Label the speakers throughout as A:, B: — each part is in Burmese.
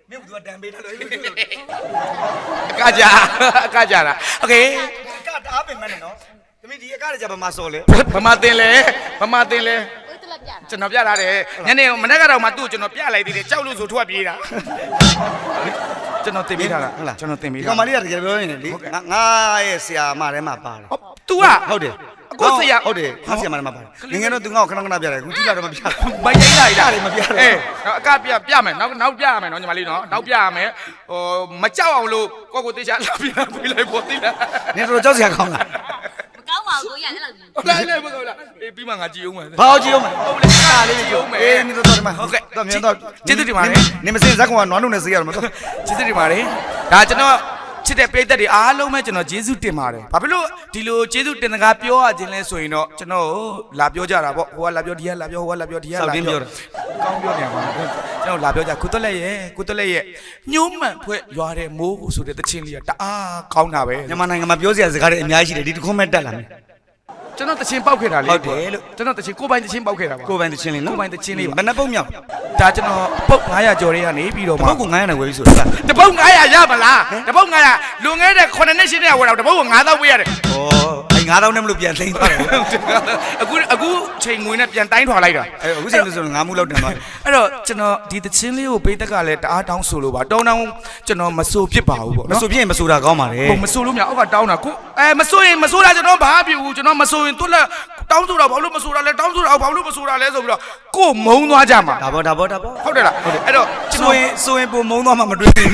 A: မင်းကတန်ပေးတယ်လို့
B: ကကြတာโอเค
A: ကတအားပင်မနဲ့နော်သမီးဒီအကားကြဘာမှစော်လဲ
B: ဗမာတင်လဲကျွန်တော်ပြထားတယ်ညနေမနေ့ကတော့မှသူ့ကျွန်တော်ပြလိုက်သေးတယ်ကြောက်လို့ဆိုထွက်ပြေးတာကျွန်တော်တင်ပေးထားတာဟုတ်လားကျွန်တော်တင်ပေးထား
A: ကောင်မလေးကတကယ်ပြောနေတယ်လေငါရဲ့ဆရာမထဲမှာပါတာ
B: तू က
A: ဟုတ်တယ်
B: ကိုဆရာ
A: ဟုတ်တယ်ငါဆရာမထဲမှာပါတယ်ငယ်ငယ်တော့ तू ငါ့ကိုခဏပြတယ်အခုကြည့်လာတော့မပြ
B: မရိုင်းလိုက်တာ
A: မပြ
B: အေးအကပြမယ်နောက်ပြရမယ်နော်ညီမလေးနော်နောက်ပြရမယ်ဟိုမကြောက်အောင်လို့ကိုတေချာလာပြပေးလိုက်ပေါ့သိလား
A: နင်တို့ကြောက်စရာကောင်းလား
C: ကောင်းပါဘူးကိုရအဲ့လို
B: ကြီးလိုက်မကောင်းလားအေးပြီးမှငါကြည့်အောင်မယ်
A: ဘာကြည့်အောင်မလဲ
B: ဟုတ်လေအားလေးကြည့်အောင်မယ်
A: အေးနင်တို့တော့ဒီမှာ
B: ဟုတ်ကဲ့
A: တော့မြန်တော့
B: ကျေးဇူးတင်ပါတယ်
A: နင်မစင်ဇက်ကောင်ကနွားလုံးနဲ့စေးရမှာတော့
B: ကျေးဇူးတင်ပါတယ်ဒါကျွန်တော်ချစ်တဲ့ပရိသတ်တွေအားလုံးပဲကျွန်တော်ကျေးဇူးတင်ပါတယ်ဘာဖြစ်လို့ဒီလိုကျေးဇူးတင်စကားပြောရခြင်းလဲဆိုရင်တော့ကျွန်တော်လာပြောကြတာပေါ့ဟိုကလာပြောဒီကလာပြောဟိုကလာပြောဒီကလာပြော
A: ပြောတာ
B: ကောင်းပြောနေမှာကျွန်တော်လာပြောကြကုသလက်ရဲ့ညှိုးမှန်ဖွဲ့ရွာတဲ့မိုးကိုဆိုတဲ့တခြင်းလေးကတအားကောင်းတာပဲ
A: မြန်မာနိုင်ငံမှာပြောစရာစကားတွေအများကြီးရှိတယ်ဒီတစ်ခုမှတက်လာမယ်
B: ကျွန်တော်တခြင်းပေါက်ခဲ့တာလေ
A: ဟုတ်တယ်လို့
B: ကျွန်တော်တခြင်းကိုပိုင်တခြင်းပေါက်ခဲ့တာပါ
A: ကိုပိုင်တခြင်းလေးနော်
B: ကိုပိုင်တခြင်းလေးပါ
A: ဘယ်နှပုတ်မြောက်
B: ဒါကျွန်တော်ပုတ်900ကျော်တွေကနေပြီးတော့မှ
A: ပုတ်ကို900နဲ့ဝယ်ပြီးဆိုတာ
B: တပုတ်900ရမလားတပုတ်900လွန်ခဲ့တဲ့9နှစ်10နှစ်ဝယ်တော့တပုတ်ကို9000ပေးရတယ်
A: ဩအဲ9000နဲ့မလို့ပြန်သိမ်းသွားတယ်
B: အခုချိန်ငွေနဲ့ပြန်တိုင်းထွာလိုက်တာ
A: အခုချိန်လို့ဆိုတော့9မှုလောက်တင်သွားတယ်
B: အဲ့တော့ကျွန်တော်ဒီတခြင်းလေးကိုပေးတက်ကလည်းတအားတောင်းဆိုလို့ပါတောင်းကျွန်တော်မဆိုဖြစ်ပါဘူးပေါ့
A: မဆိုဖြစ်ရင်မဆိုတာကောင်းပါလေ
B: ဟုတ်မဆိုလို့မရအောက်ကတောင်းတာကိုမဆိုရင်မဆိုတာကျွန်တော်ဘာဖြစ်ဘူးကျွန်တော်မဆိုရင်သူ့လက်တောင်းဆိုတာဘာလို့မဆိုတာလဲတောင်းဆိုတာဘာလို့မဆိုတာလဲဆိုပြီးတော့ကိုမုံသွားကြမှာ
A: ဒါပေါ့
B: ဟုတ်တယ်လားအဲ့တော့
A: ဆိုရင်ပုံမုံသွားမှမတွေ့ဘူး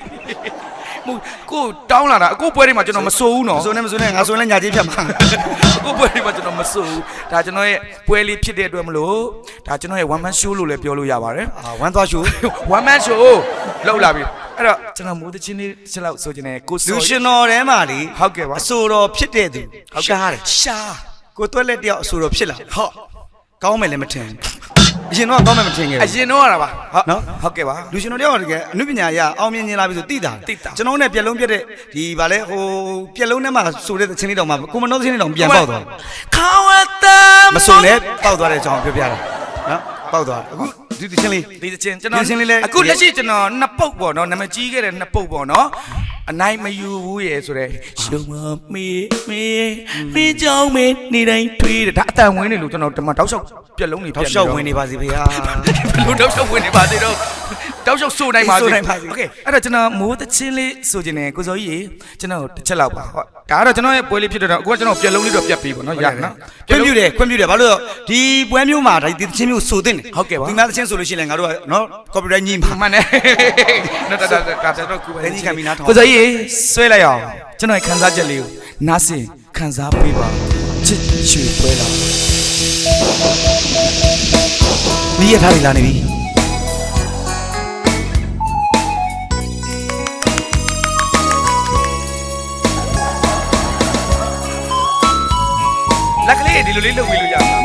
B: ကိုတောင်းလာတာအခုပွဲတွေမှာကျွန်တော်မဆိုဘူးနော်
A: မဆိုနဲ့ငါဆိုရင်လည်းညာကြီးဖြတ်မှာ
B: အခုပွဲတွေမှာကျွန်တော်မဆိုဘူးဒါကျွန်တော်ရဲ့ပွဲလေးဖြစ်တဲ့အတွက်မလို့ဒါကျွန်တော်ရဲ့ one man show လို့လည်းပြောလို့ရပါတယ်
A: one man show
B: one man show လောက်လာပြီအဲ့တော့ကျွန်တော်မိုးတချင်းလေးချက်လောက်ဆိုချင်တယ်ကို
A: လူရှင်တော်ထဲမှာလေ
B: ဟုတ်ကဲ့ပါ
A: အဆိုတော်ဖြစ်တဲ့သူရှားတယ်ကိုတွက်လက်တယောက်အဆိုတော်ဖြစ်လာ
B: ဟုတ်
A: ကောင်းမယ်လည်းမထင်အရင်တော့ကောင်းမယ်မထင်ခဲ့ဘူး
B: အရင်တော့ရတာပါ
A: ဟုတ်နော်
B: ဟုတ်ကဲ့ပါ
A: လူရှင်တော်တယောက်တကယ်အနုပညာရအောင်မြင်လာပြီဆိုသိတာကျွန်တော်နဲ့ပြက်လုံးပြက်တဲ့ဒီဗာလဲဟိုပြက်လုံးထဲမှာဆိုတဲ့ချင်းလေးတောင်မှကိုမနှုတ်ချင်းလေးတောင်ပြန်ပေါက်သွား
B: ခေါဝတ်တ
A: မဆိုနဲ့ပေါက်သွားတဲ့အကြောင်းပြောပြတာနော်ပေါက်သွားအခုဒီချင်းလေး
B: ဒီချင်းကျွန်တော်အခုလက်ရှိကျွန်တော်နှစ်ပုတ်ပေါ့နော်နာမည်ကြီးခဲ့တဲ့နှစ်ပုတ်ပေါ့နော်အနိုင်မယူဘူးရဲ့ဆိုတဲ့ရှုံမမေးကြောင်းမေးနေတိုင်းထွေးတယ်ဒါအတန်ဝင်နေလို့ကျွန်တော်ဒီမှာတောက်လျှောက်ပြက်လုံးတွေ
A: တောက်လျှောက်ဝင်နေပါစေဖေဟာ
B: ဘလို့တောက်လျှောက်ဝင်နေပါသေးတော့တောက်လျှောက်ဆိုနိုင်ပါစေโอเคအဲ့တော့ကျွန်တော်မိုးတချင်းလေးဆိုခြင်းနဲ့ကိုစောကြီးကျွန်တော်တစ်ချက်လောက်ပါဟုတ်ဒါကတော့ကျွန်တော်ရဲ့ပွဲလေးဖြစ်တော့အခုကကျွန်တော်ပြက်လုံးလေးတော့ပြက်ပြီးပေါ့နော်ရနော်
A: ခွင့်ပြုတယ်ဘာလို့ဒီပွဲမျိုးမှာဒီတချင်းမျိုးဆိုတဲ့
B: ဟုတ်ကဲ့ပါ
A: ဒီမှာတချင်းဆိုလို့ရှိရင်ငါတို့ကနော် copyright ညှိမှာ
B: မှန်တယ်နော်ဒါတော့ကူပဲ
A: ညီကမီနာထောင်း
B: ကိုစောကြီးဆွဲလိုက်အောင်ကျွန်တော်ရဲ့ခံစားချက်လေးကိုနားဆင်ခံစားပေးပါချစ်ရွှေပွဲလာ
A: မီးရထားပြီလာနေပြီ
B: လက်ကလေးဒီလိုလေးလုပ်ပြီးလို့ရမှာ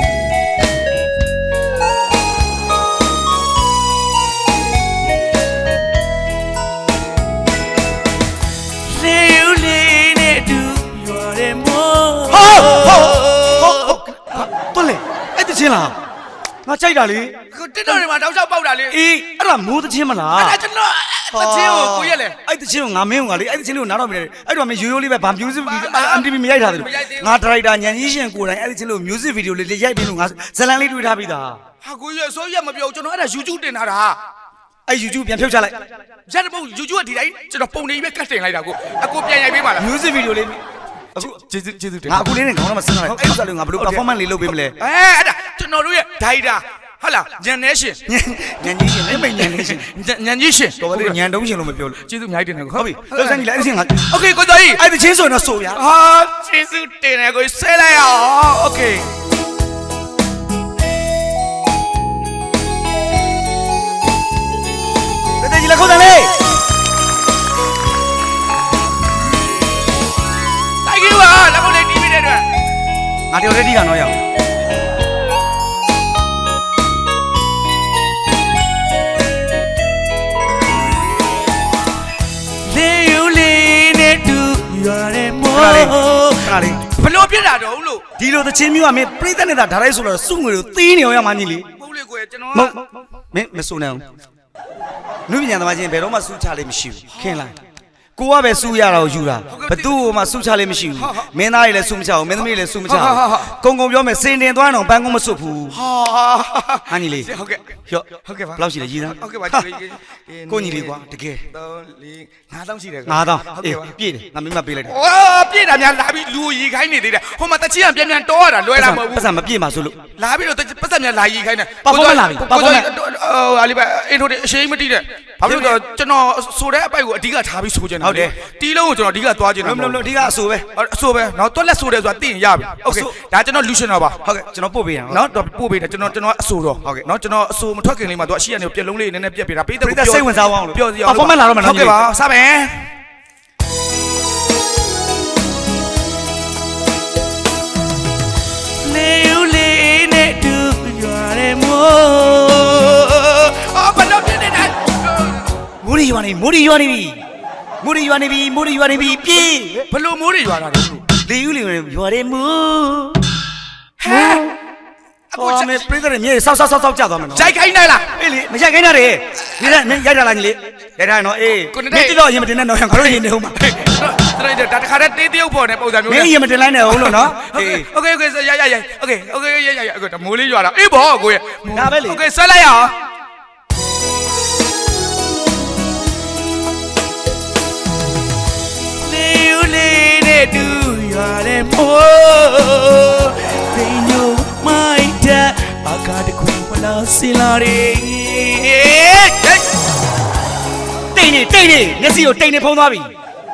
A: ချင်းလားငါကြိုက်တာလေ
B: တစ်တော်တွေမှာတောက်လျှောက်ပေါက်တာလေ
A: အေးအဲ့ဒါမိုးသချင်းမလား
B: အဲ့ဒါကျွန်တော်သချင်းကိုကိုရက်လေ
A: အဲ့သချင်းကိုငါမင်းကလေအဲ့သချင်းကိုနားတော့မလဲအဲ့တော့မင်းရိုးရိုးလေးပဲဗာ music video MTV မရိုက်ထားသေးဘူးငါဒရိုက်တာညံကြီးရှင်ကိုယ်တိုင်အဲ့သချင်းလို့ music video လေးရိုက်ပြီးလို့ငါဇလန်လေးတွေးထားပြီးသား
B: ဟာကိုရက်ဆိုရက်မပြောကျွန်တော်အဲ့ဒါ YouTube တင်ထားတာ
A: အဲ့ YouTube ပြန်ဖြုတ်ချလိုက်
B: ရက်တပုတ် YouTube ကဒီတိုင်းကျွန်တော်ပုံနေပဲကတ်တင်လိုက်တာကိုအကိုပြန်ရိုက်ပေးပါလား
A: music video လေး
B: အခုကျေးဇူးတင်
A: ငါအခုလေးနဲ့ခေါင်းထဲမှာစဉ်းစားလိုက်အဲ့ဥစ္စာလေးငါဘယ်လို performance လေးလုပ်ပေးမလဲ
B: အဲ့ဒါကျွန်တော်တို့ရဲ့ဒိုင်တာဟုတ်လားညံနေရှင်
A: ညံကြီးရှင်နဲ့မိတ်ညံနေရှင်
B: ညံကြီးရှင်
A: တော်ပါလေညံတုံးရှင်လို့မပြောလို့
B: ကျေးဇူးအများကြီးတင်တယ်
A: ဟုတ်ပြီလောက်စမ်းကြည့်လိုက်အဲ့ဒီငါ
B: โอเคကိုတော်ကြီး
A: အဲ့ဒီချင်းဆိုရင်တော့ဆိုရ
B: ဟာကျေးဇူးတင်တယ်ကိုဆဲလိုက်အောင်โอเค
A: တဲ့ကြီးလက်ခုတ်တယ်လေ
B: Thank you ပါလက်ခုတ်လေးတီးပြီးတဲ့အတွက်
A: ငါတယောက်တည်းတီးကတော့ရအောင်
B: ဘလို့ပြစ်တာတော့လို့
A: ဒီလိုသချင်းမျိုးကမင်းပြိသက်နေတာဒါလိုက်ဆိုတော့စုငွေတို့သီးနေအောင်ရမှညီလေး
B: ဟုတ်လေကိုကျွန်တော်
A: မင်းမစုံနိုင်အောင်နုပညာသမားချင်းဘယ်တော့မှစူးချလေးမရှိဘူးခင်လားကိုကပဲစူးရတာကိုယူတာဘသူ့ကိုမှစူးချလေးမရှိဘူးမင်းသားတွေလည်းစူးမချဘူးမင်းသမီးတွေလည်းစူးမချဘူးကုံကုံပြောမယ်စင်တင်သွားတော့ပန်းကုန်းမစွတ်ဘူး
B: ဟာ
A: ဟန်ကြီးလေး
B: ဟုတ်ကဲ့
A: ဟော့
B: ဟုတ်ကဲ့ပါ
A: ဘယ်လောက်ရှိလဲကြီးသား
B: ဟုတ်ကဲ့ပါ
A: ကိုညီလေးကွာတကယ်
B: 3 4 5000ရှိတယ်
A: 9000အေးပြည့်တယ်ငါမင်းမပေးလိုက်တယ်
B: โอ้ပြည့်တာများလာပြီးလူရီခိုင်းနေသေးတယ်ဟိုမှာတချီကပြန်ပြန်တောရတာလွယ်တာမဟုတ်ဘူး
A: ပတ်စံမပြည့်မှာဆိုလို့
B: လာပြီးတော့ပတ်သက်များလာရီခိုင်းတယ်
A: ပါဖောမန့်လာပြီပါဖောမန့်
B: ဟာလီပါအင်ထိုအရှိန်မတီးတဲ့ဘာလို့လဲကျွန်တော်ဆိုတဲ့အပိုက်ကိုအဓိကထားပြီးဆိုချင်တာဟုတ်တယ်တီးလုံးကိုကျွန်တော်အဓိကသွားချင်တာ
A: မလို့အဓိကအဆိုပဲ
B: အဆိုပဲเนาะတွက်လက်ဆိုတယ်ဆိုတာသိရင်ရပြီโอเคဒါကျွန်တော်လူရှင်တော့ပါ
A: ဟုတ်ကဲ့ကျွန်တော်ပို့ပေးရအောင်
B: เนาะတော့ပို့ပေးတယ်ကျွန်တော်အဆိုတော့ဟုတ်ကဲ့เนาะကျွန်တော်အဆိုမထွက်ခင်လေးမှာသူအရှိရနေပြက်လုံးလေးနည်းနည်းပြက်ပေးတာပေးတဲ့
A: စိတ်ဝင်စားအောင်လို့
B: ပြောစီအောင်
A: ပါဖောမန့်လာတော့မှနော်
B: ဟုတ်ကဲ့ပါစပါမယ်လေယူလေးနဲ့တူရွာရဲမို့အော်ဘယ်တော့ပြနေတယ်
A: မိုးရီရွာနေမိုးရီရွာနေပြီမိုးရီရွာနေပြီမိုးရီရွာနေပြီပြေး
B: ဘယ်လိုမိုးတွေရွာတာလဲလို့
A: လေယူလေရွာရဲမိုး
B: ဟဲ့အခု
A: ဟောမေပြိတ္တရဲ့မြေဆောက်ကြသွားမယ်နော်
B: ဂျိုက်ခိုင်းလိုက်လား
A: အေးလေမရိုက်ခိုင်းတာတွေဒီနဲ့ရိုက်တာလားညီလေးရိုက်တာနော်အေးမင်းတော့ရင်မတင်နဲ့နော်ငါတို့ရင်နေဦးမှာ
B: တော်ဒါတခါတည်းတေးတရုပ်ပေါ်နေပုံစံမျိုး
A: မင်းရင်မတင်လိုက်နဲ့ဦးလို့နော်အေး
B: โอเคရโอเคရအခုမိုးလေးရွာတာအေးဘောကိုရ
A: ဒါပဲလေ
B: โอเคဆွဲလိုက်ရအောင်လေယူလေးနဲ့တူရွာတဲ့မိုးပင်ညိုမိုက်တဲ့ဘာကတခွင်ဝလာစင်လာတွေ
A: တိတ်နေမျက်စိကိုတိတ်နေဖုံးသွားပြီ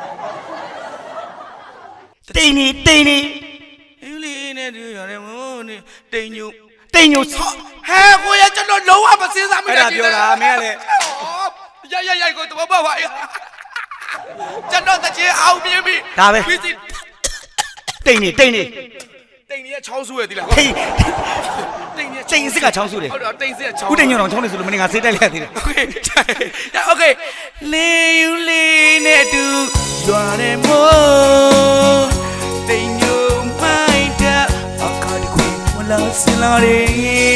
A: တိတ်နေ
B: ယူလေးနဲ့တူရွာတဲ့မိုးနဲ့တိမ်ညို
A: တိတ်ညို
B: ဟဲကိုရကျွန်တော်လုံးဝမစင်းစားမိ
A: အဲ့ဒါပြောတာမင်းကလည်း
B: ရကိုတော့ဘာပါကျွန်တော်တချင်အောင်ပြင်းပြီ
A: ဒါပဲ
B: ပြီးစီ
A: တိတ်နေ
B: တိမ်ကြီးကချောင်းဆူရသေးလား
A: ဟေး
B: တိမ်ကြီး
A: တိတ်စစ်ကချောင်းစုတယ်
B: ဟုတ်တော့တိမ်စစ်ကချောင်း
A: ခုတိတ်ညိုတော့ချောင်းနေဆိုလို့မင်းငါစေးတိုက်လိုက်ရသေးတယ်
B: โอเคလေယူလေးနဲ့တူရွာတဲ့မို့တိမ်ညိုမိုက်တဲ့အခါတခွေဝလာစင်လာတယ်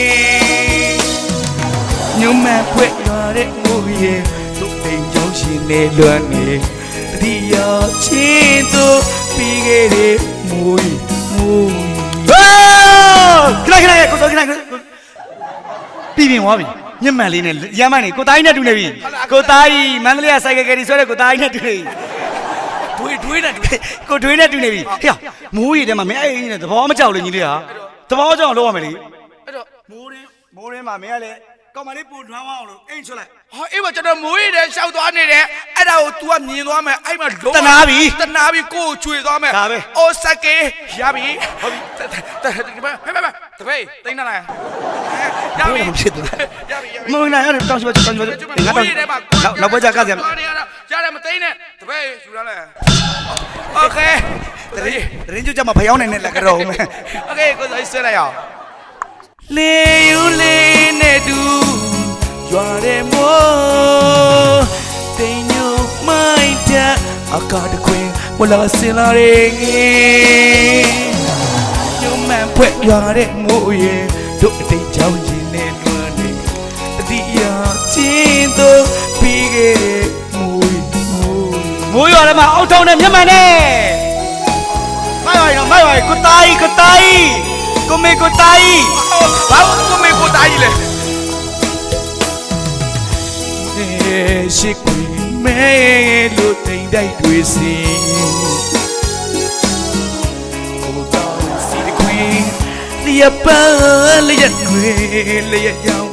B: ညမဖွက်ရွာတဲ့မိုးရဲ့တို့တိမ်ချောင်းရှင်နေလွမ်းနေတတိယချင်းတို့ပြီးခဲ့တဲ့မိုး
A: ခဏကိုစောခဏပြီးပြင်သွားပြီညက်မှန်လေးနဲ့ရမ်းမှန်နေကိုသားကြီးနဲ့တူနေပြီကိုသားကြီးမန္တလေးကစိုက်ကယ်ကယ်ဒီဆွဲတဲ့ကိုသားကြီးနဲ့တူနေပြီ
B: တွေးနဲ့တူ
A: ကိုတွေးနဲ့တူနေပြီဟေ့မိုးရီထဲမှာမင်းအဲ့အင်းနဲ့သဘောမကြောက်လို့ညီလေးဟာသဘောကြောက်အောင်လုပ်ရမယ်လေ
B: အဲ့တော့
A: မိုးရင်းမှာမင်းကလည်းကောင်မလေးပူထွန်းအောင်လို့အိမ်ချွတ်လိုက်
B: ဟာအေးပါကျွန်တော်မိုးရီတဲ့ရှောက်သွားနေတယ်အဲ့ဒါကို तू ကမြင်သွားမယ်အဲ့မှာလုံး
A: တနာပြီ
B: ကိုယ်ချွေသွားမယ်
A: ဒါပဲ
B: အိုစကေရပြီဟုတ်ပြီဟဲ့တပည့်တိန်းလာလားရပြီ
A: ဘယ်လိုဖြစ်သွား
B: ရပြီ
A: မင်းနိုင်ရတယ်တောင်းရှိပါတောင်းရှိပါငါတော့နောက်ဘက်ကြကစရမယ်
B: ရတယ်မသိနဲ့တပည့်ယူလာလဲโอเค
A: တရင်ကျုပ်ကြမှာဖျောင်းနေနဲ့လက်ကြောမယ်
B: โอเคကိုယ်ဆွဲလိုက်အောင်လေယူလေးနဲ့တူရွာတဲ့မို့တိမ်ညိုမိုက်တဲ့အကားတခွင်ဝလာစင်လာရဲ့ညမဖွက်ရွာတဲ့မိုးရဲ့တို့အတိတ်ချောင်းရင်နဲ့လွမ်းနေတတိယချင်းတို့ပြီးခဲ့တဲ့
A: မိုးရွာထဲမှာအောက်ထုံနဲ့မျက်မှန်နဲ့မိုက်ပါကိုသားကြီးကိုမေကိုသားကြီး
B: ဘာလို့ကိုမေကိုတားကြီးလဲရှိခွေမဲလို့တိမ်တိုက်တွေစီကိုတော်စီခွေလျက်ပန်းလျက်တွေလျက်ကြောင်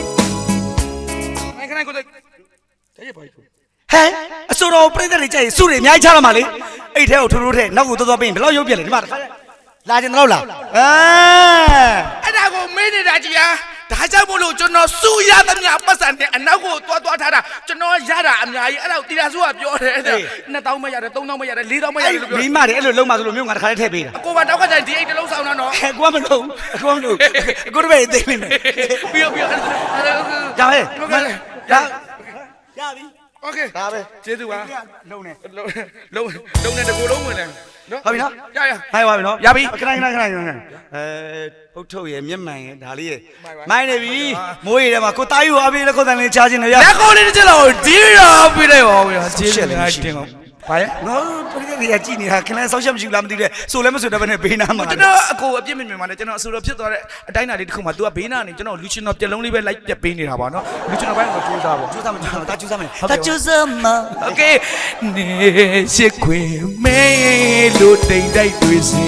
B: ခဏကိုတဲ့ရဲ့ပါဘူး
A: ဟဲ့အစိုးရပြိတ္တတွေကြိုက်စုတွေအများကြီးချလာမှာလေအဲ့ထဲကိုထိုးထိုးထဲနောက်ကိုသွားပြီးဘယ်လောက်ရုပ်ပြက်လဲဒီမှာတစ်ခါလာကျင်တော့လား
B: အဲ့ဒါကိုမေးနေတာကြီးဟာဒါကြောင့်မို့လို့ကျွန်တော်စုရသမျှပတ်စံနဲ့အနောက်ကိုသွားထားတာကျွန်တော်ရတာအများကြီးအဲ့ဒါကိုတီတာစုကပြောတယ်2000မရတယ်3000မရတယ်4000မရတယ်လို့ပြော
A: မိမတွေအဲ့လိုလုံးမဆိုလို့မျိုးငါတစ်ခါလေးထည့်ပေးတာ
B: အကိုကတောက်ကကြိုင်ဒီအိတ်တစ်လုံးဆောင်တာနော်
A: အကူကမလို့အကူတပည့်သိနေမယ်
B: ပြီး
A: ရ
B: ပြီ
A: ပြီ
B: โอเค
A: ဒါပဲ
B: ကျေးဇူးပါ
A: လုံးနေ
B: လုံးနဲ့တကူလုံးဝင်တယ်နော်
A: ဟုတ်ပြီနော်
B: ရ
A: ဟိုင်းပါပြီနော်
B: ရပြီ
A: ခဏပုတ်ထုတ်ရဲ့မျက်မှန်ရဲ့ဒါလေးရဲ့မိုင်းနေပြီမိုးရည်ထဲမှာကိုတားယူအပြေးလက်ခုတ်တန်လေးချားခြင်းလေရ
B: လက်ကောလေးတစ်ချက်လောက်ဒီရောပြလိုက်ပါဦးကျေးဇူးများတင်အောင်ဘာလဲ
A: ငါတို့ပြည်တွေကကြည်နေတာခင်ဗျားဆောက်ချက်မရှိဘူးလားမသိတဲ့ဆိုလည်းမဆိုတော့ဘဲနဲ့ဘေးနားမှာ
B: ကျွန်တော်အကိုအပြစ်မြင်မြင်မှာနဲ့ကျွန်တော်အဆူတော်ဖြစ်သွားတဲ့အတိုင်းအတာလေးတစ်ခုမှာ तू ကဘေးနားနေကျွန်တော်လူချင်းတော်ပြက်လုံးလေးပဲလိုက်ပြက်ပေးနေတာပါနော်လူချင်းတော်ဘက်ကတော့ကြိုးစားပါ
A: ကျူးစားမကျူးစားတာကျူးစားမယ်တာကျူးစားမ
B: โอเคနေရှိခွေမဲလို့တိမ်တိုက်တွေစီ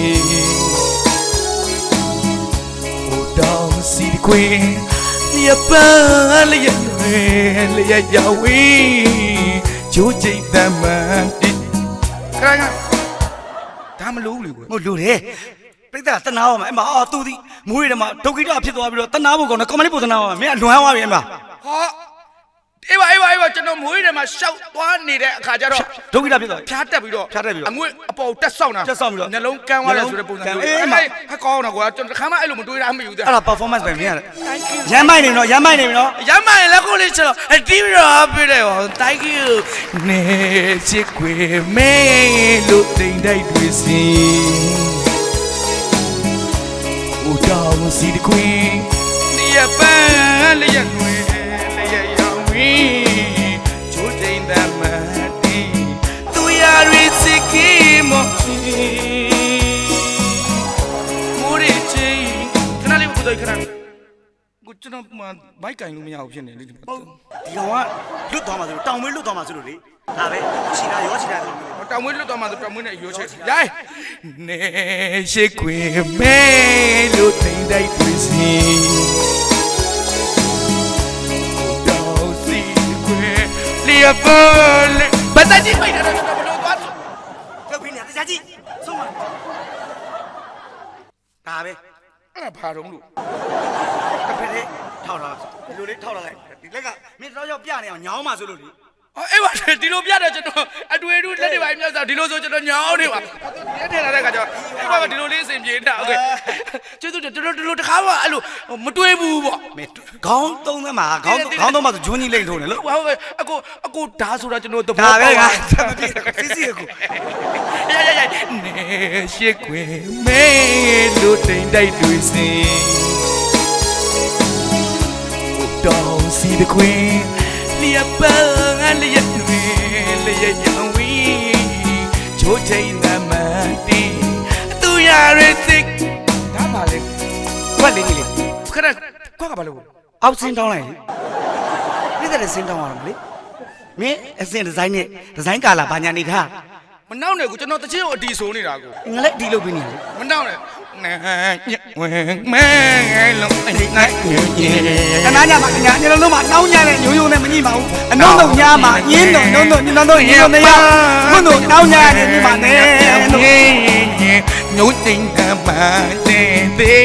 B: ဟိုတောင်စီခွေညပန်းလျက်တွေလျက်ရောက်ဝေးဂျိုးကျိတ်တမန်ခရခဒါမလို့လေကွ
A: ဟိုလူတယ်ပြိတ္တာတနာအောင်မယ်အမအော်သူဒီမိုးရည်ထဲမှာဒုက္ခိတဖြစ်သွားပြီးတော့တနာဖို့ကောင်းတယ်ကွန်မလေးပို့တနာအောင်မင်းအလွန်သွားပြီအမ
B: ဟာအေးပါကျွန်တော်မွေးထဲမှာရှောက်သွားနေတဲ့အခါကျတော့
A: ဒုက္ခိတဖြစ်သွားပြီ
B: ဖြားတက်ပြီးတော့
A: ဖြားတက်ပြီးတော့
B: အငွေ့အပေါ်တက်ဆောက်တာ
A: တက်ဆောက်ပြီးတော့
B: နှလုံးကန်းသွားတယ်ဆိုတဲ့ပုံစံမျိုး
A: အေး
B: အဲ့
A: မ
B: ဟကောင်းတော့ကွာကျွန်တော်တစ်ခါမှအဲ့လိုမတွေးတာမယူသေး
A: အဲ့ဒါ performance ပဲမင်းရတယ်ရမ်းမိုက်နေပြီနော်ရမ်းမိုက်နေပြီနော်
B: ရမ်းမရင်လက်ကိုလေးချက်တော့အတီးရောပြတယ်ဟော thank you နေချစ်ခွေမဲလို့တိမ်တိုက်တွေစီဦးတော်စီတခွေနေရပန်းလျက်တွေလျက်ရောင်ဝီချိုးတိမ်တမတီသူရရီစီကီမောချီမိုးရီချီခဏလေးကိုတွေ့ခဏကိုကျွန်တော်မိုက်ကင်လို့မရဘူးဖြစ်နေလေဒီ
A: ဟုတ်ဒီကောင်ကလွတ်သွားမှာဆိုလို့တောင်မွေးလွတ်သွားမှာဆိုလို့လေဒါပဲချီတာရောချီတာတော့
B: တောင်မွေးလွတ်သွားမှဆိုတောင်မွေးနဲ့ရိုးချက်ရိုင်းနေရှိခွေမဲလို့တိမ်တိုက်တွေစီတောင်စီခွေလျက်ပေါ်လေဘာသာကြီးဖိုက်တာတော့ဘလို့သွားဆို
A: လောက်ပြီးနေတရားကြီးဆုံးမဒါပဲ
B: အဲ့ဒါဘာတော့လို့
A: တစ်ဖက်လေးထောက်ထားဒီလိုလေးထောက်ထားလိုက်ဒီလက်ကမင်းတော့ရောက်ပြနေအောင်ညောင်းမှာဆိုလို့လေ
B: အေးပါဒီလိုပြတော့ကျွန်တော်အတွေ့အကြုံလက်တွေပါမြောက်စားဒီလိုဆိုကျွန်တော်ညောင်းနေပါဒီထဲလာတဲ့ခါကျတော့အေးပါဒီလိုလေးအစဉ်ပြေတာโอเคကျေးဇူးကျွန်တော်ဒီလိုတစ်ခါမှအဲ့လိုမတွေးဘူးပေါ့
A: မင်းခေါင်းသုံးသမှာခေါင်းသုံးမှာဆိုဂျွန်းကြီးလိမ့်ထိုးနေလို့
B: ဟုတ်ပဲအကိုဓာတ်ဆိုတာကျွန်တော်သဘော
A: ဒါပဲ
B: ပေါက်
A: က
B: ပါ
A: မပြည့်စစ်စစ်ကို
B: ရနေရှိခွေမဲလို့တိမ်တိုက်တွေစီတောင်စီတခွေလျက်ပန်းငါလျက်တွေလျက်ရောင်ဝီချိုးချိန်သမတီသူရရစစ်ဒါပါလေ
A: ကွက်လေးကြီးလေ
B: ခဏကွက်ကဘာလို့
A: အောက်စင်းတောင်းလိုက်လေပြည့်တဲ့စင်းတောင်းရမှာလေမင်းအစင်ဒီဇိုင်းနဲ့ဒီဇိုင်းကာလာဘာညာနေထား
B: မနှောက်နဲ့ကိုကျွန်တော်တချင်းကိုအတီဆိုးနေတာကို
A: ငါလည်းဒီလုပ်ပြီးနေတယ်
B: မနှောက်နဲ့ဝင်မဲလုံးအဲ့ငါညင်
A: တနာညမှာညာညလုံးလုံးမှာနှောင်းညနဲ့ညိုးညိုးနဲ့မညိမှာဘူးအနှုံးနှုံညာမှာညင်းတော့နှုံးနှုံးညလုံးညင်းနေရဘုတို့နှောင်းညာနဲ့ညမှာနဲ့လို့
B: ညိုတိမ်တမတဲ့တဲ့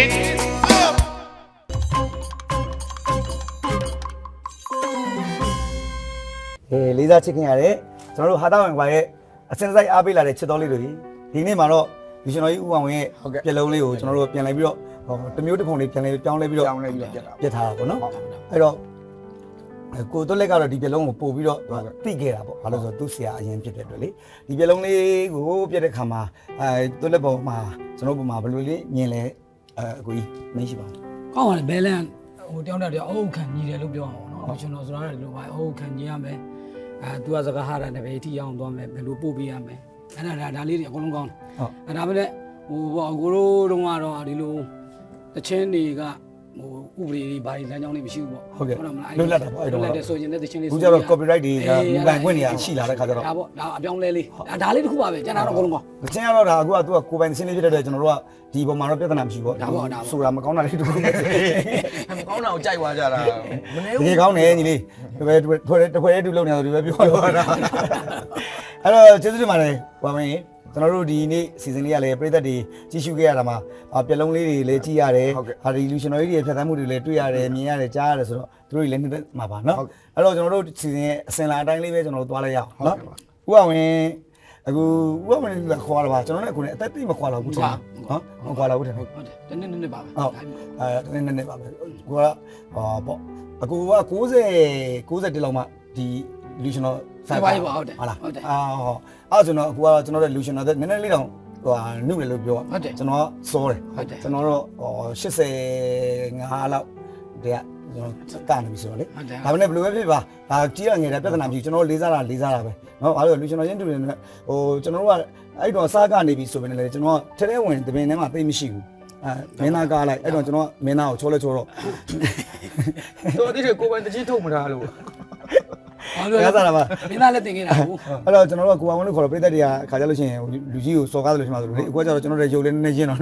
A: လေးစားချစ်ခင်ရတယ်ကျွန်တော်တို့ဟာတာဝင်ကွာရဲ့အစင်စိုက်အားပေးလာတဲ့ချစ်တော်လေးတွေဒီနေ့မှာတော့ဒီကျွန်တော်ကြီးဦးအောင်ရဲ့ပြက်လုံးလေးကိုကျွန်တော်တို့ပြန်လိုက်ပြီးတော့တမျိုးတစ်ခုလေးပြန်လဲပြောင်းလဲပြီးတော့ပြက်ထားတာပေါ့နော်အဲ့တော့ကိုတို့လက်ကတော့ဒီပြက်လုံးကိုပို့ပြီးတော့တိခဲ့တာပေါ့ဘာလို့ဆိုတော့သူ့ဆရာအရင်ဖြစ်တဲ့အတွက်လေဒီပြက်လုံးလေးကိုပြက်တဲ့ခါမှာတို့လက်ပေါ်မှာကျွန်တော်ပုံမှာဘယ်လိုလေးမြင်လဲအကိုကြီးမရှိပါဘူး
D: ကောင်းပါလေဘဲလန်ဟိုတယောက်တည်းအုပ်ခံညီတယ်လို့ပြောအောင်နော်ကျွန်တော်ဆိုတာလည်းလို့ပါအုပ်ခံညီရမယ်သူကစကားဟာတာနဲ့ပဲအထီအောင်သွားမယ်ဘယ်လိုပို့ပေးရမယ်အဲ့ဒါလေးတွေအကုန်လုံးကောင်းတယ်ဒါပဲလေဟိုအကိုတို့တုန်းကတော့ဒီလိုတချင်းတွေကဟိုဥပဒေတွေဘာတွေလမ်းကြောင်းတွေမရှိဘူးပေါ့
A: လွတ်လပ်တာပေါ့အဲ့တော့
D: လွတ်လပ်တဲ့ဆိုရင်လည်းတချင်းလေး
A: အခုကျတော့ copyright တွေကမူပိုင်ခွင့်တွေကရှိလာတဲ့ခါကျတော့
D: ဒါပေါ့ဒါအပြောင်းလဲလေးဒါလေးတစ်ခုပါပဲကျန်တာတော့အကုန်လုံးကောင်း
A: ။ချင်းကတော့ဒါအခုကသူကကိုယ်ပိုင်စင်းလေးဖြစ်တဲ့အတွက်ကျွန်တော်တို့ကဒီပုံမှာတော့ပြဿနာမရှိဘူးပေါ့။ဆိုတာမကောင်းတာလေးတူတယ်
E: မကောင်းတာကိုကြိုက်သွားကြတာမနေ
A: ။
E: ဘူး
A: ဒီကောင်းတယ်ညီလေး။ဒီပဲတစ်ခွဲတူလုံနေတော့ဒီပဲပြောတာ။အဲ့တော့ကျေးဇူးတင်ပါတယ်။ဘာမင်းကျွန်တော်တို့ဒီနေ့စီစဉ်လေးရလဲပြည်သက်တွေကြည့်ရှုခဲ့ရတာမှာပြက်လုံးလေးတွေလည်းကြည့်ရတယ်။ဟာဒီလူရှင်တော်ကြီးတွေဖြတ်သန်းမှုတွေလည်းတွေ့ရတယ်မြင်ရတယ်ကြားရတယ်ဆိုတော့သူတို့တွေလည်းနှစ်သက်မှာပါနော်။အဲ့တော့ကျွန်တော်တို့စီစဉ်ရဲ့အစင်လာအတိုင်းလေးပဲကျွန်တော်တို့သွားလိုက်ရအောင်နော်။ဦးအောင်ဝင်အခုဥပမာနဲ့ခေါ်ရတာပါကျွန်တော်လည်းအခုလည်းအသက်တိတ်မခွာတော့ဘူးထင်နော်မခွာတော့ဘူးထင်ဟုတ်
D: ဟုတ်တယ်တနေ့ပါပဲ
A: နည်းနည်းပါပဲကိုကပေါ့အခုက90 61လောက်မှဒီလူရှင်တော်
D: ဆိုင်ပါဟုတ်တယ်
A: ဟုတ်လား
D: ဟုတ်တယ်
A: အဲ့ကျွန်တော်အခုကတော့ကျွန်တော်တို့လူရှင်တော်နည်းနည်းလေးတော့ဟိုနှုတ်တယ်လို့ပြော
D: ဟုတ်တယ်
A: ကျွန်တော်စောတယ်
D: ဟုတ်တယ်
A: ကျွန်တော်တော့85လောက်တည်းကကျွန်တော်ကနေပြီဆိုတော့လေ
D: ဟုတ်တယ်
A: ဒါပေမဲ့ဘယ်လိုပဲဖြစ်ပါဒါကြီးရငယ်တယ်ပြဿနာမရှိကျွန်တော်လေးစားတာပဲเนาะဘာလို့လူကျွန်တော်ရင်းတူနေဟိုကျွန်တော်တို့ကအဲ့တော့စားကနေပြီဆိုပေမဲ့လည်းကျွန်တော်ထဲထဲဝင်တပင်ထဲမှာသိမရှိဘူးမင်းသားကားလိုက်အဲ့တော့ကျွန်တော်မင်းသားကိုချောလဲချောတော့
E: တော်တိကိုပိုင်တချင်းထုတ်မထားလို့
A: ရစားတာပါ
D: မင်းသားလည်းတင်ခဲ့တာဟုတ်
A: အဲ့တော့ကျွန်တော်တို့ကကိုအောင်လို့ခေါ်တော့ပြည်သက်တွေကခါကြလို့ရှိရင်လူကြီးကိုစော်ကားတယ်လို့ရှိမှဆိုလို့လေအခုကကျတော့ကျွန်တော်တို့ရုပ်လေးနည်းနည်းရင်းတော့လေ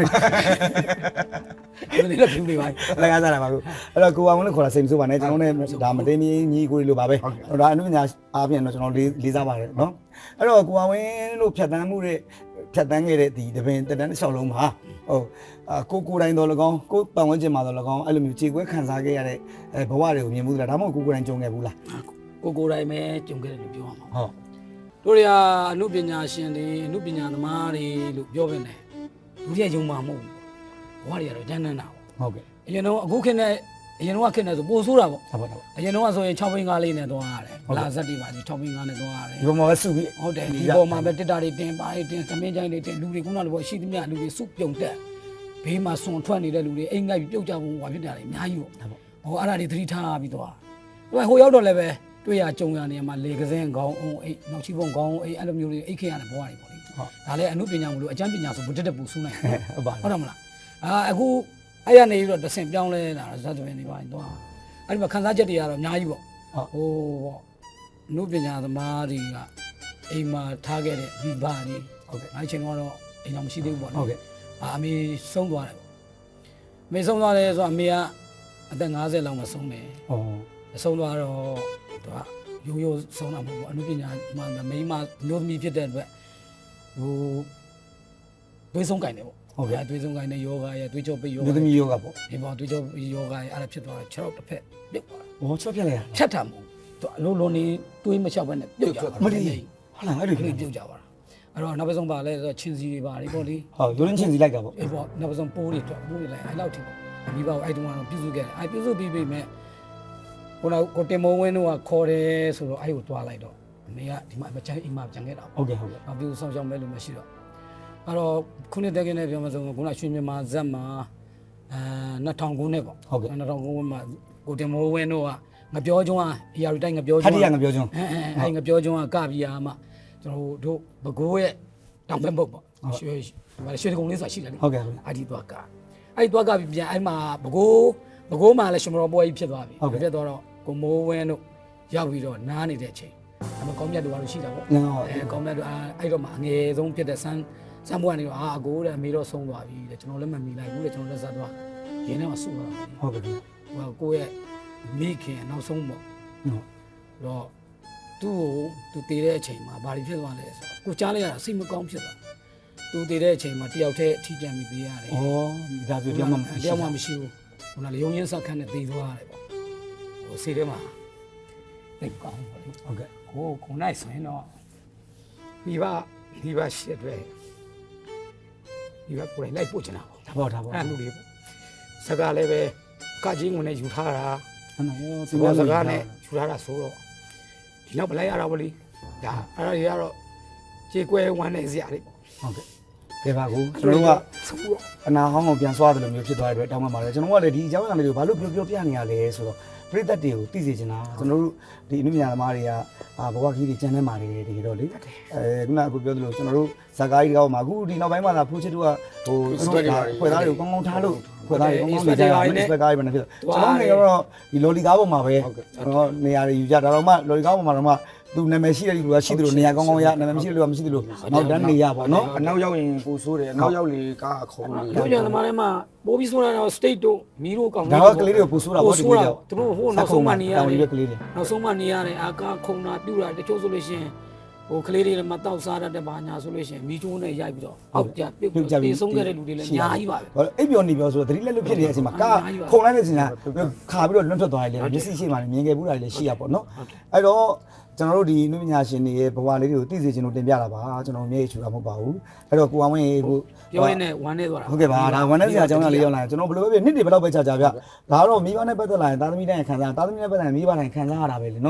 D: ဒီလိုဖြူနေပါ
A: လည်းရစားတာပါကိုအဲ့တော့ကိုအောင်လို့ခေါ်တာစိတ်မဆိုးပါနဲ့ကျွန်တော်နဲ့ဒါမတင်းမင်းညီကိုလိုပါပဲဒါအနုပညာအားဖြင့်တော့ကျွန်တော်လေးစားပါတယ်နော်အဲ့တော့ကိုအောင်လို့ဖြတ်တန်းမှုတဲ့ဖြတ်တန်းခဲ့တဲ့ဒီတပင်တန်းတစ်လျှောက်လုံးမှာဟုတ်ကိုတိုင်းတော်၎င်းကိုပတ်ဝန်းကျင်မှာတော်၎င်းအဲ့လိုမျိုးခြေခွဲခံစားခဲ့ရတဲ့ဘဝတွေကိုမြင်မှုလားဒါမှမဟုတ်ကိုတိုင်းကြုံခဲ့ဘူးလား
D: ကိုတိုင်းပဲကြုံခဲ့တယ်လို့ပြောရမှာ
A: ဟုတ်
D: တို့တွေကအမှုပညာရှင်တွေအမှုပညာသမားတွေလို့ပြောပဲနဲ့လူတွေကယုံမှာမဟုတ်ဘူးဘဝတွေကတော့ကျန်းနေတာပေါ့
A: ဟုတ်ကဲ့
D: အရင်တော့အခုခေတ်နဲ့အရင်တော့ခေတ်နဲ့ဆိုပိုဆိုးတာပေါ့
A: ဟုတ်ပါတော့
D: အရင်တော့ဆိုရင်6ဘိန်းကားလေးနဲ့သွားရတယ်ဗလာဇက်တွေပါဒီ6ဘိန်းကားနဲ့သွားရတယ်
A: ဒီပေါ်မှာပဲစုပြီး
D: ဟုတ်တယ်ဒီပေါ်မှာပဲတစ်တာတွေတင်ပါတွေတင်သမင်းချိုင်းတွေတင်လူတွေခုနကလိုပေါ့ရှိသမျှလူတွေစုပြုံတက်ဘေးမှာစွန်ထွက်နေတဲ့လူတွေအိမ်ငိုက်ပြီးပြုတ်ကြဖို့ဟွာဖြစ်တာတွေအများကြီးပေါ့ဟိုအဲ့ဒါတွေသတိထားပြီးသွားဟိုရောက်တော့လည်းပဲတွေ့ရကြုံရနေမှာလေကစင်းခေါင်းအောင်အိတ်နောက်ချီပုံခေါင်းအိတ်အဲ့လိုမျိုးတွေအိတ်ခင်ရတဲ့ဘဝတွေပေါ့လေဒါလည်းအမှုပညာမလို့အကျမ်းပညာဆိုဗုဒ္ဓတက်ပူဆူးနိုင်
A: ဟုတ်ပါ
D: ဟုတ်တယ်မလားအခုအဲ့ရနေပြီးတော့တဆင်ပြောင်းလဲလာဇတ်သမင်းတွေပါသွားအဲ့ဒီမှာခန်းစားချက်တွေကတော့အများကြီးပေါ့ဟိုပေါ့အမှုပညာသမားတွေကအိမ်မှာထားခဲ့တဲ့ဒီဘာတွေဟုတ်ကဲ့အဲ့ချိန်ကတော့အိမ်တော်မရှိသေးဘူးပေါ့နော်
A: ဟုတ်ကဲ့
D: အမေဆုံးသွားတယ်ပေါ့အမေဆုံးသွားတယ်ဆိုတော့အမေကအသက်50လောက်မှဆုံးတယ်
A: ဟုတ်
D: ဆုံးသွားတော့သူကရိုးရိုးဆုံးတာမဟုတ်ဘူးအမှုပညာမိန်းမမျိုးသမီးဖြစ်တဲ့အတွက်ဟိုသွေးဆုံးကင်တယ်ပေါ့ဟုတ်ကဲ့သွေးဆုံးကင်တဲ့ယောဂရဲ့သွေးကြောပိတ်ယောဂ
A: လူသမီးယောဂပေါ့
D: ဒီပေါ်သွေးကြောယောဂရဲ့အဲ့ဒါဖြစ်သွားတယ်6တော့တစ်ဖက်ပြုတ်သွားတယ်
A: ဘောချော့ပြက်လိုက်ရ
D: ဖြတ်တာမဟုတ်သူအလုံးလုံးနေသွေးမလျှောက်ဘဲနဲ့ပြုတ်ကြတာ
A: မလီဟုတ်လားအဲ့လို
D: ပြုတ်ကြပါလားအဲ့တော့နောက်ဆုံးပါလဲဆိုတော့ချင်းစီတွေပါလေပေါ့လေ
A: ဟုတ်ရိုးရင်းချင်းစီလိုက်တာပေါ့
D: အေးပေါ့နောက်ဆုံးပိုးတွေတော့ပိုးတွေလိုက်အဲ့လောက်ထိပေါ့မိဘအဲ့တုန်းကတော့ပြုစုခဲ့တယ်အဲ့ပြုစုပြီးပြီမဲ့ကိုတင်မိုးဝင်းတို့ကခေါ်တယ်ဆိုတော့အဲ့ကိုတွားလိုက်တော့အမေကဒီမှာမချမ်းအိမ်မှာပြန်ခဲ့တာပေါ့
A: ဟုတ်ကဲ့ဟုတ်ကဲ့
D: အပြုဆောင်ရှောင်မဲ့လို့မရှိတော့အဲ့တော့ခုနှစ်တက်ကင်းနဲ့ပြောမှဆိုခုနရွှေမြန်မာဇက်မှာ2000ခုနှစ်ပေါ့
A: ဟုတ်ကဲ့
D: 2000ခုမှာကိုတင်မိုးဝင်းတို့ကငပြောကျွန်းအရာတိုင်းငပြော
A: ခ
D: ကျွန်း
A: တိရငပြောချွန်း
D: အဲ့ငပြောကျွန်းကကပြီးအားမှကျွန်တော်တို့ဘကိုးရဲ့တောင်ဘက်ဘုတ်ပေါ့ရွှေကုံလေးဆိုတာရှိတယ်လေ
A: ဟုတ်ကဲ့ဟုတ်ကဲ့
D: အဲ့ဒီသွားကအဲ့သွားကပြီးပြန်အဲ့မှာဘကိုးမှာလည်းရှင်မတော်ပွဲကြီးဖြစ်သွားပြီဖြစ်သွားတော့ကိုမိုးဝင်းတို့ရောက်ပြီးတော့နားနေတဲ့အချိန်အမကောင်းမြတ်တို့ကတော့ရှိတာပေါ့
A: ဟုတ်
D: ကောင်းမြတ်တို့အဲ့တော့မှအငယ်ဆုံးဖြစ်တဲ့စမ်းပွဲကနေတော့အကိုတဲ့အမေတော့ဆုံးသွားပြီတဲ့ကျွန်တော်လည်းမမီလိုက်ဘူးတဲ့ကျွန်တော်လည်းဆက်သွားရင်းထဲမှာဆူသွားတယ်
A: ဟုတ်ကဲ့
D: ဟိုကိုရဲ့မိခင်နောက်ဆုံးပေါ့
A: ဟုတ်
D: တော့သူတည်တဲ့အချိန်မှာဘာတွေဖြစ်သွားလဲဆိုတော့ကိုကြားလိုက်ရတာစိတ်မကောင်းဖြစ်သွားသူတည်တဲ့အချိန်မှာတယောက်တည်းအထီးကျန်ပြီးသေးရတယ်
A: ဩဒါဆိုတရားမှ
D: တယောက်မှမရှိဘူးဟိုလားရုံရင်းဆက်ခန်းနဲ့တည်သွားရတယ်ပေါ့ဟိုစိတ်ထဲမှာသိကောင်းပါလေ
A: ဟုတ်ကဲ့
D: ကိုနိုင်ဆိုရင်တော့ဒီပါရှစ်တွေဒီပါကိုယ်လိုက်ပို့ချင်တာပေါ့
A: ဒါပေါ့
D: အဲ့လူတွေပေါ့စကားလည်းပဲကကြီးငွေနဲ့ယူထားတာ
A: ဟုတ်နော်
D: စကားစကားနဲ့ယူထားတာဆိုတော့ဒီနောက်ပလိုက်ရတာပေါ့လေဒါအဲ့ဒါတွေကတော့ကြေကွဲဝမ်းနေစရာတွေပေါ့
A: ဟုတ်ကဲ့ကဲပါကူကျွန်တော်တို့ကအနာဟောင်းကိုပြန်ဆွားတယ်လို့မျိုးဖြစ်သွားတဲ့အတွက်တောင်းပန်ပါတယ်ကျွန်တော်ကလည်းဒီအကြောင်းအရာလေးကိုဘာလို့ပြောပြနေရလဲဆိုတော့ပရိသတ်တွေကိုသိစေချင်တာကျွန်တော်တို့ဒီအနုပညာသမားတွေကဘဝကြီးတွေကျန်နေမှာတွေတကယ်တော့လေခုနကအခုပြောသလိုကျွန်တော်တို့ဇာကားကြီးကောမှာအခုဒီနောက်ပိုင်းမှာဖူးချစ်တို့ကဟိုဖွဲ့သားတွေကိုကောင်းကောင်းထားလို့ဖွဲ့သားတွေကောင်းကောင်းနေကြတယ်စပက်ကားကြီးပဲဖြစ်ကျွန်တော်နေတော့ဒီလော်လီကားပေါ်မှာပဲကျွန်တော်နေရာတွေယူကြဒါတော့မှလော်လီကားပေါ်မှာတော့မှသူနာမည်ရှိတဲ့လူကရှိသလိုနေရာကောင်းကောင်းရနာမည်မရှိတဲ့လူကမရှိသလိုနောက်တန်းနေရပါတော့
E: အနောက်ရောက်ရင်ပူဆိုးတယ်အနောက်ရောက်လေကားခုံနေ
D: တို့ကြသမားတွေမှာပိုးပြီးဆိုတာတော့ state တို့မီတို့ကောင်း
A: ဒါတော့ကလေးတွေကိုပူဆိုးတာပေါ့ဒီကလေးတွေ
D: သူတို့ဟိုနောက်ဆုံးမှနေရတယ်
A: တောင်ကြီးကလေးတွေ
D: နောက်ဆုံးမှနေရတယ်အာကာခုံတာပြူတာတချို့ဆိုလို့ရှိရင်ဟိုကလေးတွေမတောက်စားတတ်တဲ့ဘာညာဆိုလို့ရှိရင်မီချိုးနဲ့ရိုက်ပြီးတော့အောက်ကြပြုတ်ပြေဆုံးခဲ့တဲ့လူတွေလည်းအများကြီးပါပဲ
A: ဟောအိပ်ပျော်နေပျော်ဆိုတော့သတိလက်လွတ်ဖြစ်နေတဲ့အချိန်မှာကားခုံလိုက်တဲ့အချိန်ကခါပြီးတော့လွတ်ထွက်သွားတယ်လေမျက်စိရှိမှလည်းမြင်ခဲ့ဘူးတာလည်းရှိရပေါ့နော်အဲ့တော့ကျွန်တော်တို့ဒီနုပညာရှင်တွေရဲ့ဘဝလေးတွေကိုသိစေချင်လို့တင်ပြတာပါကျွန်တော်မျက်ရည်ချူတာမဟုတ်ပါဘူးအဲ့တော့ကိုအောင်ဝင်းကို
D: ပြောရင်းနဲ့ဝမ်းနေသွားတာ
A: ဟုတ်ကဲ့ပါဒါဝန်ထဲဆရာအကြောင်းအရာလေးရောက်လာရင်ကျွန်တော်ဘယ်လိုပဲဖြစ်နှစ်တွေဘယ်လောက်ပဲကြာကြာဗျဒါတော့မိဘနဲ့ပတ်သက်လာရင်သားသမီးတိုင်းခံစားသားသမီးနဲ့ပတ်သက်ရင်မိဘတိုင်းခံစားရတာပဲလေနော်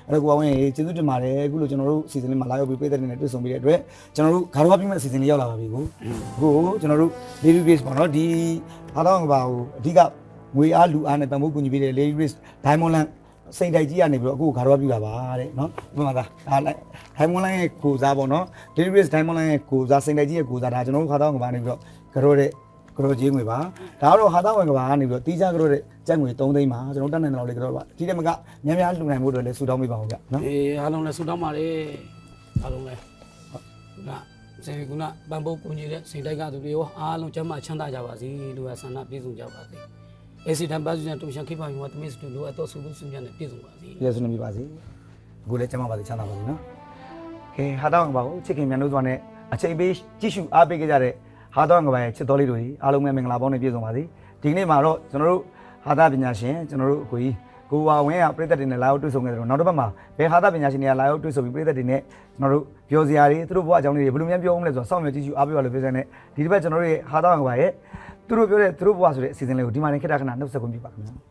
A: အဲ့တော့ကိုအောင်ရင်ကျေးဇူးတင်ပါတယ်အခုလိုကျွန်တော်တို့စီစဉ်လေးမှာလာရောက်ပြီးပြည်သက်တွေနဲ့တွေ့ဆုံပြီးတဲ့အတွက်ကျွန်တော်တို့ဂါရဝပြည့်မဲ့အစီအစဉ်လေးရောက်လာပါပြီကိုအခုကျွန်တော်တို့ Lady Grace ပေါ့နော်ဒီအားတော့ကဘာကိုအဓိကငွေအားလူအားနဲ့တန်ဖိုးကူညီပေးတဲ့ Lady Grace Diamond Land စိတ်တိုက်ကြီးကနေပြီးတော့အခုဂါရဝပြပြပါတဲ့နော်ဒီမှာဒါ Diamond Land ရဲ့ကိုစားပေါ့နော် Lady Grace Diamond Land ရဲ့ကိုစားစိတ်တိုက်ကြီးရဲ့ကိုစားဒါကျွန်တော်တို့ခါတော့ကဘာနေပြီးတော့ဂရောတဲ့ကရောကြီးငွေပါဒါတော့ဟာတော့ဝင်ကဘာကနေပြီးတော့တီးကြကရောတဲ့ကြက်ငွေ3သိန်းပါကျွန်တော်တက်နိုင်တယ်လို့လေကရောပါဒီတက်မကများများလှူနိုင်ဖို့အတွက်လည်းဆူတောင်းပေးပါဦးဗျနော်
D: အေးအားလုံးလည်းဆူတောင်းပါလေအားလုံးလည်းဟုတ်ကစေကုနာပန်ဖို့ကိုကြီးတဲ့စိတ်တိုက်ကသူတွေရောအားလုံးကျမ်းမာချမ်းသာကြပါစေလူကဆန္ဒပြည့်စုံကြပါစေအေစီတန်ပါစုံတူရှန်ခိပါယူဝတ်မစ်တူလိုအပ်တော့ဆူလို့ဆူညံ့နဲ့ပြည့်စုံပါစေ
A: ပြည့်စုံနေပြီပါစေအခုလည်းကျမ်းမာပါစေချမ်းသာပါစေနော်ကဲဟာတော့ကဘာကိုချစ်ခင်မြန်လို့ဆိုတာနဲ့အချိန်ပေးကြည့်ရှုအားပေးကြတဲ့ဟာတော့ကဘာရဲ့ချစ်တော်လေးတို့ကြီးအားလုံးပဲမင်္ဂလာပေါင်းနဲ့ပြည့်စုံပါစေဒီကနေ့မှာတော့ကျွန်တော်တို့ဟာသပညာရှင်ကျွန်တော်တို့အကိုကြီးကိုဝါဝင်းကပြည်သက်တွေနဲ့လာရောက်တွေ့ဆုံခဲ့တယ်နောက်တစ်ပတ်မှာဘယ်ဟာသပညာရှင်တွေကလာရောက်တွေ့ဆုံပြီးပြည်သက်တွေနဲ့ကျွန်တော်တို့ပြောစရာတွေသူတို့ဘဝအကြောင်းလေးတွေဘယ်လိုများပြောအောင်လဲဆိုတော့စောင့်မျှော်ကြည့်ရှုအားပေးပါလို့ပြောစတဲ့ဒီတစ်ပတ်ကျွန်တော်တို့ရဲ့ဟာတော့ကဘာရဲ့သူတို့ပြောတဲ့သူတို့ဘဝဆိုတဲ့အစီအစဉ်လေးကိုဒီမှာနေခက်တာခဏနှုတ်ဆက်ခွင့်ပြုပါခင်ဗျာ